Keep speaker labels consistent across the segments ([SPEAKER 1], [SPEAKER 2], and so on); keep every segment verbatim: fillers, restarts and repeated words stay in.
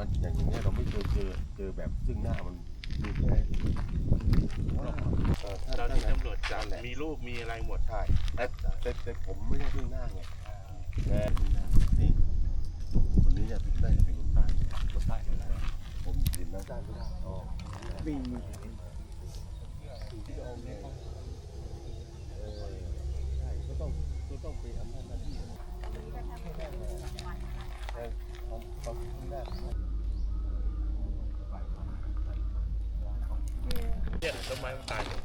[SPEAKER 1] ว่าอย่างอย่างเงี้ยเราไม่เคยเจอเจอแบบซึ่งหน้ามันมีแค่
[SPEAKER 2] ตอนที่ตำรวจจับมีรูปมีอะไรหมด
[SPEAKER 1] ใช่แต่แต่แต่ผมไม่ได้ซึ่งหน้าไงแค่ซึ่งหน้านี่คนนี้เนี่ยได้เป็นคนใต้คนใต้ผมเรียนน้ำด้านไม่ได้อ๋อวิ่งที่เอาเนี่ยเออใช่ก็ต้องก็ต้องไปอำนาจหน้าที่แต่เขาเขาไม่ได้
[SPEAKER 2] เนี่ยต้นไม้มันตายหมด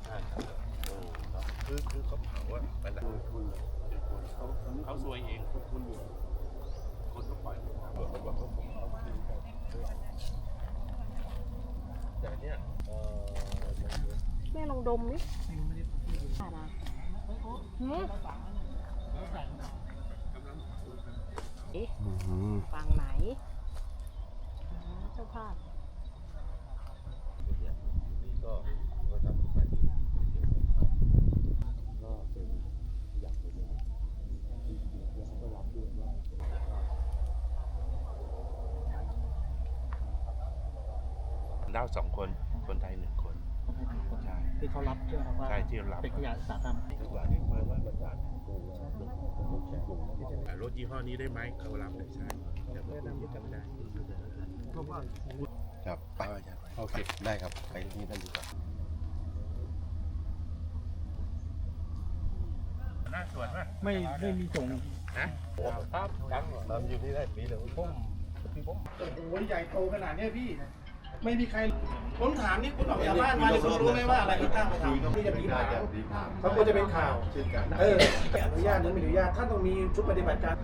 [SPEAKER 2] คือคือเขาเผาอะมันอะเขาซวยเองคนอยู่คนก็ปล่อยเขาบอกเขาผมเขาคืนกันแต่เนี่ย
[SPEAKER 3] แม่ลองดมดิผ่านะหืมเอ๊ะฝั่งไหนเจ้าภาพ
[SPEAKER 1] ก็ก็ทำไปก็เป็นอยากเป็นที่แล้วก็รับด้วยว่า
[SPEAKER 2] ดาวสองคนคนไทยหนึ่งคนใช่
[SPEAKER 4] ที่เขารับใช่ไหมครับว่า
[SPEAKER 2] ใช่ที่รับ
[SPEAKER 4] เป็นขยะอุตสาหกรรม
[SPEAKER 1] ทุกอย่างที่มามาจากโรงงานโรงแช่ลง
[SPEAKER 2] รถยี่ห้อนี้ได้ไหมเขารับเลยใช่แต่ผมยังจำไม่ได้
[SPEAKER 1] ครับไปโอเคได้ครับไปที่นั่นดีกว่า
[SPEAKER 2] หน้าสวนป่ะ
[SPEAKER 4] ไม่ไม่มีส่ง
[SPEAKER 1] นะครับทำอยู่นี่ได้ปีเดียวผมพี่ผม
[SPEAKER 4] โอ้ยใหญ่โตขนาดเนี้ยพี่ ไม่มีใครผมถามนี่คุณออกจากบ้านมาเนี่ยคุณรู้ไหมว่าอะไรที่ตั้งมาทำที่จะมีข่าวเขาควรจะเป็นข่าว
[SPEAKER 1] เช่นกัน
[SPEAKER 4] เอออนุญาตหรือไม่อนุญาตท่านต้องมีชุดปฏิบัติการ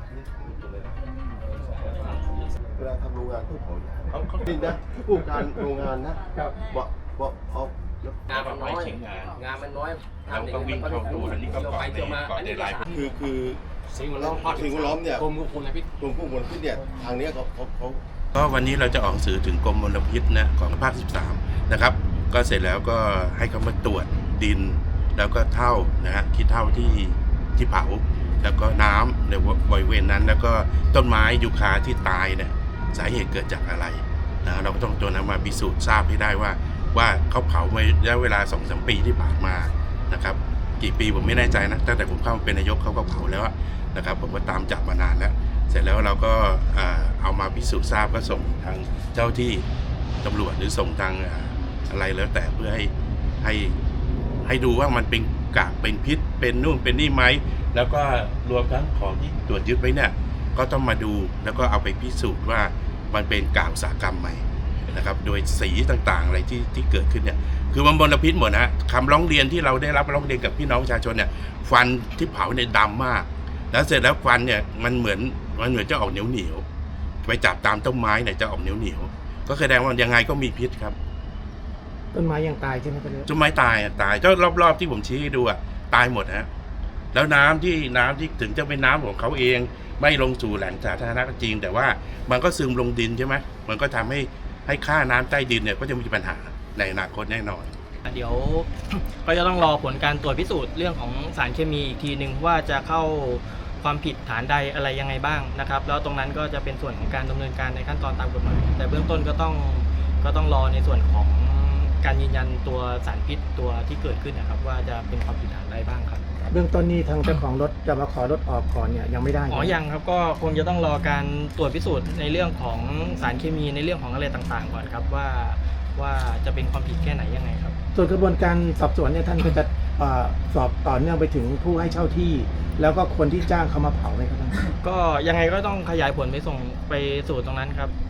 [SPEAKER 1] เวลาทำโรงงานต้องขอเขาเขาจริงนะผู้การโรงงานนะบอกบอกเอา
[SPEAKER 5] งานมันน้อยงานมันน้อย
[SPEAKER 2] เราก็วิ่งเข้าดูอันนี้ก็เกาะในเกาะในลาย
[SPEAKER 1] คือคือ
[SPEAKER 5] สิ่งแวดล้อม
[SPEAKER 1] สิ่งแวดล้อมเนี่ย
[SPEAKER 5] กรมควบคุมมลพิษ
[SPEAKER 1] กรมควบคุมมลพิษเนี่ยทางนี้เขาเขาเขา
[SPEAKER 2] ก็วันนี้เราจะออกหนังสือถึงกรมมลพิษนะของภาคสิบสามนะครับก็เสร็จแล้วก็ให้เขามาตรวจดินแล้วก็เท่านะฮะคิดเท่าที่ที่เผาแล้วก็น้ำในบริเวณนั้นแล้วก็ต้นไม้ยูคาที่ตายเนี่ยสาเหตุเกิดจากอะไรนะเราก็ต้องตัวนั้นมาพิสูจน์ทราบให้ได้ว่าว่าเขาเผาในระยะเวลา สองถึงสาม ปีที่ผ่านมานะครับกี่ปีผมไม่แน่ใจนะตั้งแต่ผมเข้ามาเป็นนายกเขาก็เผาแล้วนะครับผมก็ตามจับมานานแล้วเสร็จแล้วเราก็เอามาพิสูจน์ทราบก็ส่งทางเจ้าที่ตำรวจหรือส่งทางอะไรแล้วแต่เพื่อให้ให้ให้ดูว่ามันเป็นกากเป็นพิษเป็นนู่นเป็นนี่ไหมแล้วก็รวมทั้งของที่ตรวจยึดไว้เนี่ยก็ต้องมาดูแล้วก็เอาไปพิสูจน์ว่ามันเป็นกากอุตสาหกรรมใหม่นะครับโดยสีต่างๆอะไรที่ที่เกิดขึ้นเนี่ยคือมันมลพิษหมดนะคำร้องเรียนที่เราได้รับร้องเรียนกับพี่น้องประชาชนเนี่ยฟันที่เผาเนี่ยดำมากแล้วเสร็จแล้วฟันเนี่ยมันเหมือนมันเหมือนจะออกเหนียวเหนียวไปจับตามต้นไม้เนี่ยจะออกเหนียวเหนียวก็แสดงว่ายังไงก็มีพิษครับ
[SPEAKER 4] ต้นไม้ยังตายใช่ไหมครับ
[SPEAKER 2] ต้นไม้ตายอ่ะตายก็รอบๆที่ผมชี้ให้ดูอ่ะตายหมดฮะแล้วน้ำที่น้ำที่ถึงจะเป็นน้ำของเขาเองไม่ลงสู่แหล่งสาธารณะก็จริงแต่ว่ามันก็ซึมลงดินใช่ไหมมันก็ทำให้ให้ค่าน้ำใต้ดินเนี่ยก็จะมีปัญหาในอนาคตแน่นอน
[SPEAKER 6] เดี๋ยว ก็จะต้องรอผลการตรวจพิสูจน์เรื่องของสารเคมีอีกทีหนึ่งว่าจะเข้าความผิดฐานใดอะไรยังไงบ้างนะครับแล้วตรงนั้นก็จะเป็นส่วนของการดำเนินการในขั้นตอนตามกฎหมายแต่เบื้องต้นก็ต้องก็ต้องรอในส่วนของการยืนยันตัวสารพิษตัวที่เกิดขึ้นนะครับว่าจะเป็นความผิดฐานใดบ้างครับ
[SPEAKER 4] เบื้องต้นนี้ทางเจ้าของรถจะมาขอรถออกก่อนเนี่ยยังไม่ได้
[SPEAKER 6] อ๋อยังครับก็คงจะต้องรอการตรวจพิสูจน์ในเรื่องของสารเคมีในเรื่องของอะไรต่างๆก่อนครับว่าว่าจะเป็นความผิดแค่ไหนยังไงครับ
[SPEAKER 4] ส่วนกระบวนการสอบสวนเนี่ยท่านก็จะเอ่อสอบต่อเนื่องไปถึงผู้ให้เช่าที่ แล้วก็คนที่จ้างเขามาเผาไหมครับท่าน
[SPEAKER 6] ก็ยังไงก็ต้องขยายผลไปส่งไปสู่ตรงนั้นครับ